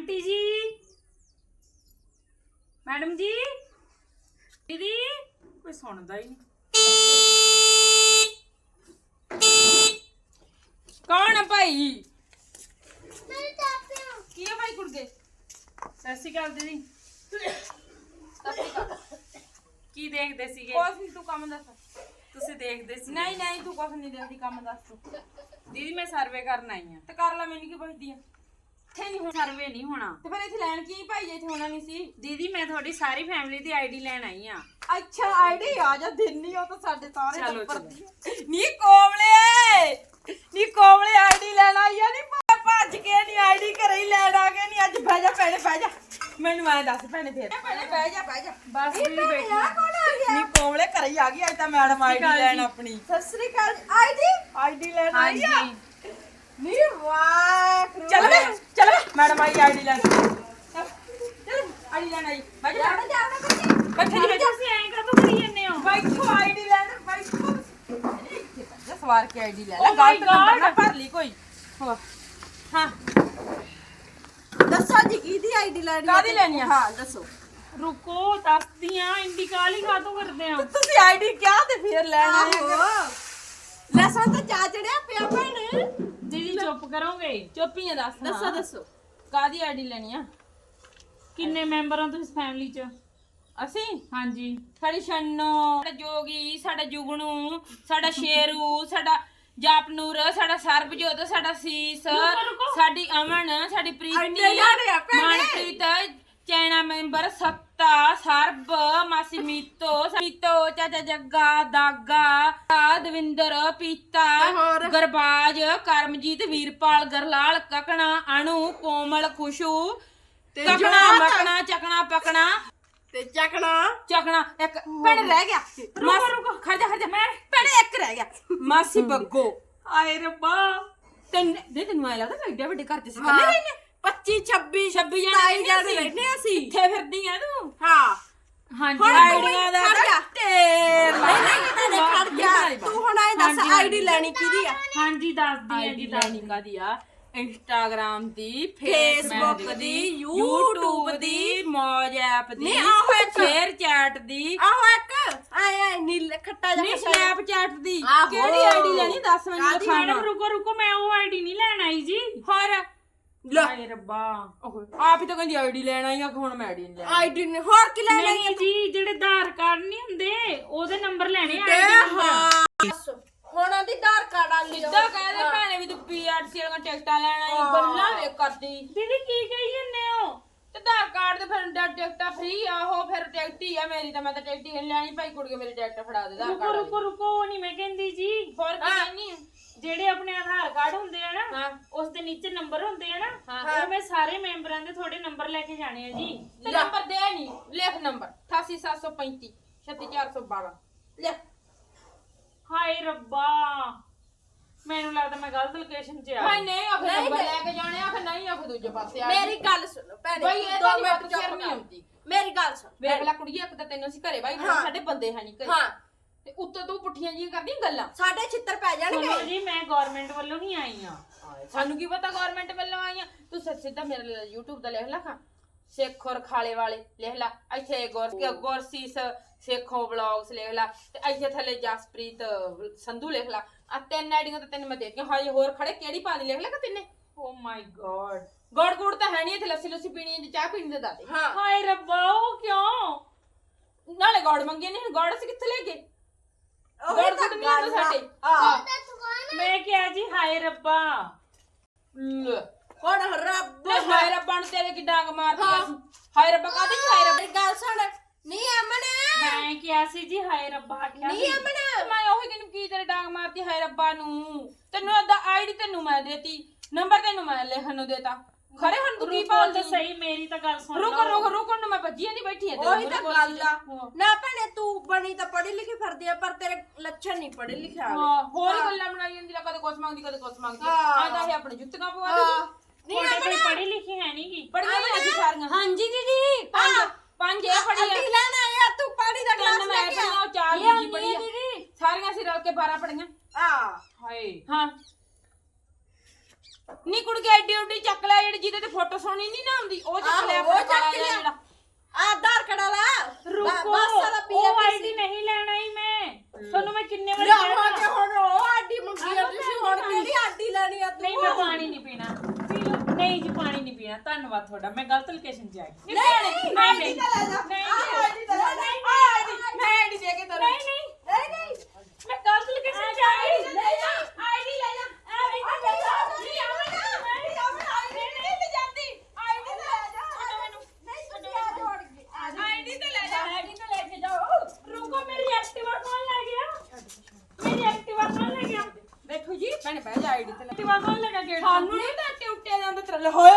Aunty जी madam जी दीदी कोई सुनता ही नहीं। कौन है भाई? की है भाई कुड़के? सत श्री अकाल दीदी। की देखदे सीगे? ਕੁਛ ਨੀ, ਤੂੰ ਕੰਮ ਦੱਸ। ਤੁਸੀਂ ਦੇਖਦੇ ਸੀ? ਨਹੀਂ ਨਹੀਂ ਤੂੰ ਕੁਛ ਨਹੀਂ ਦੇਖਦੀ, ਕੰਮ ਦੱਸ ਤੂੰ। ਦੀਦੀ ਮੈਂ ਸਰਵੇ ਕਰਨ ਆਈ ਆ। ਤੇ ਕਰ ਲੈ, ਮੈਨੂੰ ਕੀ ਪੁੱਛਦੀ ਆ? ਇੱਥੇ ਨਹੀਂ ਹੁਣ ਸਰਵੇ ਨਹੀਂ ਹੋਣਾ। ਤੇ ਫਿਰ ਇੱਥੇ ਲੈਣ ਕੀ ਭਾਈ, ਇੱਥੇ ਹੋਣਾ ਨਹੀਂ ਸੀ। ਦੀਦੀ ਮੈਂ ਤੁਹਾਡੀ ਸਾਰੀ ਫੈਮਿਲੀ ਦੀ ਆਈਡੀ ਲੈਣ ਆਈ ਆ। ਅੱਛਾ ਆਈਡੀ ਆ ਜਾ ਦਿੰਨੀ, ਉਹ ਤਾਂ ਸਾਡੇ ਸਾਰੇ ਚਲੋ, ਟੱਬਰ ਚਲੋ। ਦੀ। ਨੀ ਕੋਮਲੇ ਆਈਡੀ ਲੈਣ ਆਈ ਆ। ਨੀ ਭੱਜ ਕੇ ਨੀ ਆਈਡੀ ਘਰੇ ਹੀ ਲੈਣ ਆ ਗਏ। ਨੀ ਅੱਜ ਬਹਿ ਜਾ ਭੈਣੇ, ਬਹਿ ਜਾ। ਮੈਨੂੰ ਐ ਦੱਸ ਭੈਣੇ, ਫੇਰ ਭੈਣੇ ਬਹਿ ਜਾ, ਬਹਿ ਜਾ। ਬਸ ਦੀਦੀ ਬੈਠੀ ਆ ਕੌਣ ਆ ਗਿਆ? ਨੀ ਕੋਮਲੇ ਘਰੇ ਹੀ ਆ ਗਈ ਅੱਜ ਤਾਂ ਮੈਡਮ ਆਈਡੀ ਲੈਣ ਆਪਣੀ। ਸਤਿ ਸ੍ਰੀ ਅਕਾਲ। ਆਈਡੀ ਲੈਣ ਆਈ ਆ। ਹਾਂਜੀ ਨੀ ਵਾਹ, ਚੱਲ ਮੈਡਮ ਆਈਡੀ ਲੈਣ। ਚੱਲ ਆਈਡੀ ਲੈਣ ਆਈ। ਬਹਿ ਜਾ ਬੈਠੇ ਨਹੀਂ, ਤੁਸੀਂ ਐਂ ਕਾਹਤੋਂ ਕਰੀ ਜਾਂਦੇ ਹੋ? ਬੈਠੋ ਆਈਡੀ ਲੈਣ, ਬੈਠੋ। ਸਵਾਰ ਕੇ ਆਈਡੀ ਲੈ ਲੈ। Oh my ਗਲਤ ਨੰਬਰ ਨਾ God! ਭਰ ਲਈ ਕੋਈ। ਹਾਂ ਦੱਸੋ ਜੀ ਕਿਹਦੀ ਆਈਡੀ ਲੈਣੀ ਕਾਹਦੀ ਲੈਣੀ ਆ? ਹਾਂ ਦੱਸੋ। ਰੁਕੋ ਦੱਸਦੀ ਆ। ਇੰਡੀਕਾਲ ਹੀ ਕਾਹਤੋਂ ਕਰਦੇ ਆ? ਤੁਸੀਂ ਆਈਡੀ ਕਿਹਾ ਤੇ ਫਿਰ ਲੈਣ ਆਏ ਆ। ਲੈਸਨ ਤਾਂ ਚਾ ਚੜਿਆ ਪਿਆ ਭੈਣ। ਦੀਦੀ ਚੁੱਪ ਕਰੋਗੇ? ਚੁੱਪੀਆਂ ਦੱਸ। ਦੱਸੋ ਦੱਸੋ। ਕਾਹਦੀ ਆਈਡੀ ਲੈਣੀ ਆ? ਕਿੰਨੇ ਮੈਂਬਰ ਹੋ ਤੁਸੀਂ ਫੈਮਿਲੀ ਚ? ਅਸੀਂ ਹਾਂਜੀ ਸਾਡੀ ਛੰਨੋ, ਸਾਡਾ ਜੋਗੀ, ਸਾਡਾ ਜੁਗਨੂ, ਸਾਡਾ ਸ਼ੇਰੂ, ਸਾਡਾ ਜਾਪਨੂਰ, ਸਾਡਾ ਸਰਬਜੋਤ, ਸਾਡਾ ਸੀਸ, ਰੁਕੋ। ਸਾਡੀ ਅਮਨ, ਸਾਡੀ ਪ੍ਰੀਤੀ, ਇੰਨੇ ਜਾਣੇ ਆ ਭੈਣੇ। ਮਨਪ੍ਰੀਤ, ਚੈਨਾ ਮੈਂਬਰ, ਸੱਤਾ, ਸਰਬ, ਮਾਸੀ ਮੀਤੋ, ਚਾਚਾ ਜੱਗਾ, ਦਾਗਾ, ਦਵਿੰਦਰ, ਪੀਤਾ, ਹੋਰ? ਗਰਬਾਜ, ਕਰਮਜੀਤ, ਵੀਰਪਾਲ, ਗਰਲਾਲ, ਕਕਣਾ, ਅਣੂ, ਕੋਮਲ, ਖੁਸ਼ੂ, ਤੇ ਕਕਣਾ, ਜੋਤ? ਮਕਣਾ, ਚੱਕਣਾ, ਪਕਣਾ, ਤੇ ਚੱਕਣਾ ਚੱਕਣਾ। ਇੱਕ ਭੈਣ ਰਹਿ ਗਿਆ। ਰੁਕੋ। ਖੜ ਜਾ ਮੈਂ ਭੈਣ ਇੱਕ ਰਹਿ ਗਿਆ। ਮਾਸੀ ਬੱਗੋ। ਆਏ ਰੱਬਾ। ਤੈਨੂੰ ਐ ਲੱਗਦਾ ਮੈਂ ਏਡੇ ਵੱਡੇ ਘਰ ਚ ਸੀ ਕੱਲੇ ਰਹਿਨੇ। 25 26 26 27 ਜਾਣੇ ਜਾਣੇ ਰਹਿੰਦੇ ਅਸੀਂ। ਕਿੱਥੇ ਫਿਰਦੀ ਆ ਤੂੰ? ਹਾਂ ਹਾਂਜੀ ਹੁਣ ਆਈਡੀਆਂ ਦਾ ਖੜ ਜਾ। ਢੇਰ ਨਹੀਂ ਨਹੀਂ ਤੁਹਾਡੇ ਖੜ ਜਾ। ਤੂੰ ਹੁਣ ਐ ਦੱਸ ਹਾਂਜੀ, ਆਈਡੀ ਲੈਣੀ ਕਿਹਦੀ ਆ? ਹਾਂਜੀ ਦੱਸਦੀ ਆ ਆਈਡੀ ਜੀ ਲੈਣੀ ਕਾਦੀ ਆ? ਇੰਸਟਾਗ੍ਰਾਮ ਦੀ, Facebook ਦੀ, YouTube ਦੀ, ਮੌਜ ਐਪ ਦੀ, ਨਹੀਂ, ਆਹੋ ਇੱਕ। ਸ਼ੇਅਰ ਚੈਟ ਦੀ, ਆਹੋ ਇੱਕ ਐ ਨੀਲ ਖੱਟਾ ਨਹੀਂ ਜਿਹਾ ਸਨੈਪਚੈਟ ਦੀ। ਆਹੋ। ਕਿਹੜੀ ਆਈਡੀ ਲੈਣੀ ਦੱਸ ਮੈਨੂੰ ਕਾਹਦੀ? ਲਿਖਾਣਾ। ਮੈਡਮ ਰੁਕੋ ਮੈਂ ਉਹ ਆਈਡੀ ਨਹੀਂ ਲੈਣ ਆਈ ਜੀ। ਹੋਰ ਆਏ ਰੱਬਾ। ਆਪ ਹੀ ਤਾਂ ਕਹਿੰਦੀ ਆਈਡੀ ਲੈਣ ਆਈ ਆ, ਹੁਣ ਮੈਂ ਆਈਡੀ ਨਹੀਂ ਲੈਣੀ। ਆਈਡੀ ਨੇ ਹੋਰ ਕੀ ਲੈਣਾ ਨਹੀਂ ਜੀ ਜਿਹੜੇ ਆਧਾਰ ਕਾਰਡ ਨਹੀਂ ਹੁੰਦੇ ਉਹਦੇ ਨੰਬਰ ਲੈਣੇ ਤੇ ਆਈਡੀ ਨੰਬਰ। ਹਾਂ ਹੁਣ ਉਹਦੀ ਆਧਾਰ ਕਾਰਡ ਆ ਲਈ ਸਿੱਧਾ ਕਹਿੰਦੇ ਭੈਣੇ ਵੀ ਤੂੰ ਪੀਆਰਸੀ ਵਾਲੀਆਂ ਟਿਕਟਾਂ ਲੈਣ ਆਈ, ਗੱਲਾਂ ਵੇ ਕਰਦੀ। ਦੀਦੀ ਕੀ ਕਹੀ ਜਾਂਦੇ ਹੋ? ਤੇ ਆਧਾਰ ਕਾਰਡ ਤੇ ਫਿਰ ਟਿਕਟਾਂ ਫ੍ਰੀ ਆ, ਉਹ ਫਿਰ ਟਿਕਟ ਹੀ ਆ ਮੇਰੀ। ਤਾਂ ਮੈਂ ਤਾਂ ਟਿਕਟ ਹੀ ਨਹੀਂ ਲੈਣੀ ਭਾਈ, ਕੁੜੀਏ ਮੇਰੀ ਟਿਕਟ ਫੜਾ ਦੇ ਆਧਾਰ ਰੁਕੋ ਕਾਰਡ ਰੁਕੋ ਰੁਕੋ ਉਹ ਨਹੀਂ ਮੈਂ ਕਹਿੰਦੀ ਜੀ। ਹੋਰ ਕੀ ਕਹਿੰਨੀ ਆ? ਜਿਹੜੇ ਆਪਣੇ ਆਧਾਰ ਕਾਰਡ ਹੁੰਦੇ ਆ ਨਾ ਹਾਂ। ਉਸ ਦੇ ਨੀਚੇ ਨੰਬਰ ਹੁੰਦੇ ਆ ਨਾ, ਹਾਂ। ਉਹ ਮੈਂ ਸਾਰੇ ਮੈਂਬਰਾਂ ਦੇ ਤੁਹਾਡੇ ਨੰਬਰ ਲੈ ਕੇ ਜਾਣੇ ਆ ਜੀ। ਤੇ ਨੰਬਰ ਦੇ ਨਹੀਂ, ਲਿਖ ਨੰਬਰ 88735 36412 ਲਿਖ। ਹਾਏ ਰੱਬਾ ਮੈਨੂੰ ਲੱਗਦਾ ਮੈਂ ਗਲਤ ਲੋਕੇਸ਼ਨ 'ਚ ਆ ਭਾਈ ਗਈ। ਨਹੀਂ ਆਖੇ ਨੰਬਰ ਲੈ ਕੇ ਜਾਣੇ, ਆਖੇ ਨਹੀਂ ਆਖੇ ਦੂਜੇ ਪਾਸੇ ਆ। ਮੇਰੀ ਗੱਲ ਸੁਣ ਭੈਣੇ ਬਈ ਇਹ ਦੋ ਤਾਂ ਮਿੰਟ ਨਹੀਂ ਚੁੱਪ ਸ਼ਰਮ ਨਹੀਂ ਕਰ। ਆਉਂਦੀ। ਮੇਰੀ ਗੱਲ ਸੁਣ ਵੇਖ ਲੈ ਕੁੜੀਏ, ਇੱਕ ਤਾਂ ਤੈਨੂੰ ਅਸੀਂ ਘਰੇ ਬਾਈ ਹਾਂ। ਸਾਡੇ ਬੰਦੇ ਹੈ ਨਹੀਂ ਘਰੇ। ਹਾਂ ਤੇ ਉੱਤੋਂ ਤੂੰ ਪੁੱਠੀਆਂ ਜੀਆਂ ਕਰਦੀਆਂ ਗੱਲਾਂ। ਸਾਡੇ ਛਿੱਤਰ ਪੈ ਸੁਣੋ ਜਾਣਗੇ। ਜੀ ਮੈਂ ਗਵਰਨਮੈਂਟ ਵੱਲੋਂ ਹੀ ਆਈ ਆ। ਸਾਨੂੰ ਕੀ ਪਤਾ ਗਵਰਨਮੈਂਟ ਵੱਲੋਂ ਆਈਆਂ। ਤੂੰ ਸਿੱਧਾ ਮੇਰੇ YouTube ਦਾ ਲਿਖ ਲਾ, ਸਿੱਖ ਔਰ ਖਾਲੇ ਵਾਲੇ ਲਿਖ ਲਾ। ਇੱਥੇ ਗੁਰਸੀਸ ਸੇਖੋਂ ਵਲੌਗਸ ਲਿਖ ਲਾ, ਤੇ ਇੱਥੇ ਥੱਲੇ ਜਸਪ੍ਰੀਤ ਸੰਧੂ ਲਿਖ ਲਾ। ਆ ਤਿੰਨ ਆਈਡੀਆਂ ਤਾਂ ਤੈਨੂੰ ਮੈਂ ਦੇ ਦਿੱਤੀਆਂ। ਹਾਏ ਹੋਰ ਖੜੇ ਕਿਹੜੀ ਪਾਣੀ ਲਿਖ ਲਾ ਕਿ ਤਿੰਨੇ? ਓ ਮਾਈ ਗॉड। ਗੋੜ ਗੁੜ ਤਾਂ ਹੈ ਨਹੀਂ ਇੱਥੇ। ਲੱਸੀ ਲੁੱਸੀ ਪੀਣੀ ਹੈ, ਚਾਹ ਪੀਣੀ ਦੇ ਦਾਦੇ। ਹਾਂ ਹਾਏ ਰੱਬਾ ਉਹ ਕਿਉਂ? ਨਾਲੇ ਗੋੜ ਮੰਗੇ ਨਹੀਂ, ਗੋੜ ਅਸੀਂ ਕਿੱਥੇ ਲੈ ਗਏ? ਉਹੀ ਗੋੜ ਤਾਂ ਗੁੜ ਨਹੀਂ ਆਉਂਦਾ ਸਾਡੇ। ਹਾਂ ਮੈਂ ਕਿਹਾ ਜੀ ਹਾਏ ਰੱਬਾ। ਹੁਣ ਰੱਬ ਹਾਏ ਰੱਬਾ ਨੂੰ ਤੇਰੇ ਕੀ ਡਾਂਗ ਮਾਰਦੀ ਅਸੀਂ। ਹਾਏ ਰੱਬਾ ਕਾਹਦੀ ਹਾਏ ਰੱਬਾ? ਮੇਰੀ ਗੱਲ ਸੁਣ। ਨਹੀਂ ਅਮਨ ਮੈਂ ਕਿਹਾ ਸੀ ਜੀ ਹਾਏ ਰੱਬਾ ਆਖਿਆ ਨਹੀਂ ਸੀ। ਅਮਨ ਮੈਂ ਉਹੀ ਤੈਨੂੰ ਕੀ ਤੇਰੇ ਡਾਂਗ ਮਾਰਦੀ ਹਾਏ ਰੱਬਾ ਨੂੰ? ਤੈਨੂੰ ਅੱਧਾ ਆਈਡੀ ਤੈਨੂੰ ਮੈਂ ਦੇਤੀ, ਨੰਬਰ ਤੈਨੂੰ ਮੈਂ ਲਿਖਣ ਨੂੰ ਦੇਤਾ। ਖਰੇ ਹੁਣ ਤੂੰ ਕੀ ਰੁਕੋ ਭਾਲਦੀ? ਤਾਂ ਸਹੀ ਮੇਰੀ ਤਾਂ ਗੱਲ ਸੁਣ ਰੁਕ ਲਓ। ਰੁਕ ਰੁਕਣ ਨੂੰ ਮੈਂ ਭੱਜੀ ਨਹੀਂ ਬੈਠੀ ਐ। ਉਹੀ ਤਾਂ ਗੱਲ ਆ। ਨਾ ਭੈਣੇ ਤੂੰ ਬਣੀ ਤਾਂ ਪੜ੍ਹੀ ਲਿਖੀ ਫਿਰਦੀ ਆ, ਪਰ ਤੇਰੇ ਲੱਛਣ ਨਹੀਂ ਪੜ੍ਹੇ ਲਿਖਿਆ ਵਾਲੇ। ਹਾਂ ਹੋਰ ਹੀ ਗੱਲਾਂ ਬਣਾਈ ਜਾਂਦੀ ਆ, ਕਦੇ ਕੁਛ ਮੰਗਦੀ ਕਦੇ ਕੁਛ ਮੰਗਦੀ। ਹਾਂ। ਆਦਾ ਇਹ ਆਪਣੇ ਜੁੱਤੀਆਂ ਪਵਾ ਦੇ। ਨਹੀਂ ਤੁਹਾਡੇ ਕੋਈ ਅਮਨ ਪੜ੍ਹੀ ਲਿਖੀ ਹੈ ਨਹੀਂ ਗੀ। ਪੜੀਆਂ ਨਹੀਂ ਅਸੀਂ ਸਾਰੀਆਂ। ਹਾਂਜੀ ਦੀਦੀ ਪੰਜ ਇਹ ਪੜੀ ਆ, ਅੱਡੀ ਲੈਣਾ ਆ ਤੂੰ ਪਾਣੀ ਦਾ ਗਲਾਸ ਤਿੰਨ ਲੈ ਮੈਂ ਕੇ ਪੜੀਆਂ, ਆ। ਉਹ ਚਾਰ ਇਹ ਦੂਜੀ ਪੜੀ ਆ। ਸਾਰੀਆਂ ਅਸੀਂ ਰਲ ਕੇ 12 ਪੜੀਆਂ। ਆ ਹਾਏ ਹਾਂ ਨੀ ਕੁੜ ਕੇ ਐਡੀ ਉੱਡੀ ਚੱਕ ਲੈ ਜਿਹੜੀ ਜਿਹਦੇ ਤੇ ਫੋਟੋ ਸੋਹਣੀ ਨਹੀਂ ਨਾ ਆਉਂਦੀ ਉਹ ਚੱਕ ਲੈ ਆਹੋ, ਉਹ ਆਪਣਾ ਕਾਲਾ ਚੱਕ ਜਿਹਾ ਲਿਆ। ਜਿਹੜਾ ਆਧਾਰ ਕਾਰਡ ਵਾਲਾ ਰੁਕੋ ਬੱਸ ਵਾਲਾ ਉਹ ਆਈਡੀ ਪੀਆਰਟੀਸੀ ਨਹੀਂ ਲੈਣਾ ਹੀ ਮੈਂ ਤੁਹਾਨੂੰ ਮੈਂ ਕਿੰਨੇ ਵਾਰ ਲਿਆਵਾਂਗੇ ਹੁਣ ਉਹ ਆਡੀ ਮੰਗੀ ਆ ਤੁਸੀਂ ਹੁਣ ਕਿਹੜੀ ਆਡੀ ਲੈਣੀ ਆ ਤੂੰ ਨਹੀਂ ਮੈਂ ਪਾਣੀ ਨਹੀਂ ਪੀਣਾ ਪੀ ਲਓ ਨਹੀਂ ਜੀ ਪਾਣੀ ਨਹੀਂ ਪੀਣਾ ਧੰਨਵਾਦ ਤੁਹਾਡਾ ਮੈਂ ਗਲਤ ਲੋਕੇਸ਼ਨ 'ਚ ਆ ਗਈ ਨਹੀਂ ਆਈਡੀ ਤਾਂ ਲੈ ਜਾ ਨਹੀਂ, ਆਈਡੀ ਤਾਂ ਲੈ ਜਾ ਮੈਂ ਐਡੀ ਦੇ ਕੇ ਤੁਰ ਨਹੀਂ ਨਹੀਂ ਨਹੀਂ ਮੈਂ ਗਲਤ ਲੋਕੇਸ਼ਨ 'ਚ ਆ ਗਈ ਲੈ ਜਾ ਆਈਡੀ ਲੈ ਜਾ ਆਈਡੀ ਲੈ ਜਾ ਨਹੀਂ ਆਵਣਾ ਨਹੀਂ ਆਵਣਾ ਆਈਡੀ ਨਹੀਂ ਲੈ ਜਾਂਦੀ ਆਈਡੀ ਤਾਂ ਲੈ ਜਾ ਨਹੀਂ ਤੁਸੀਂ ਆ ਜੋੜ ਗਏ ਆਈਡੀ ਤੇ ਲੈ ਜਾ ਆਈਡੀ ਤਾਂ ਲੈ ਕੇ ਜਾਓ ਰੁਕੋ ਮੇਰੀ ਐਕਟਿਵਾ ਕੌਣ ਲੈ ਗਿਆ ਮੇਰੀ ਐਕਟਿਵਾ ਕੌਣ ਲੈ ਗਿਆ ਬੈਠੋ ਜੀ ਭੈਣੇ ਬਹਿ ਜਾ ਆਈਡੀ ਤੇ ਲੈ ਐਕਟਿਵਾ ਕੌਣ ਲੈ ਗਿਆ ਗੇਟ ਸਾਨੂੰ ਨਹੀਂ ਤਾਂ ਟਿਊਟੇ ਦੇ ਅੰਦਰ ਤੇਰੇ ਹੋਏ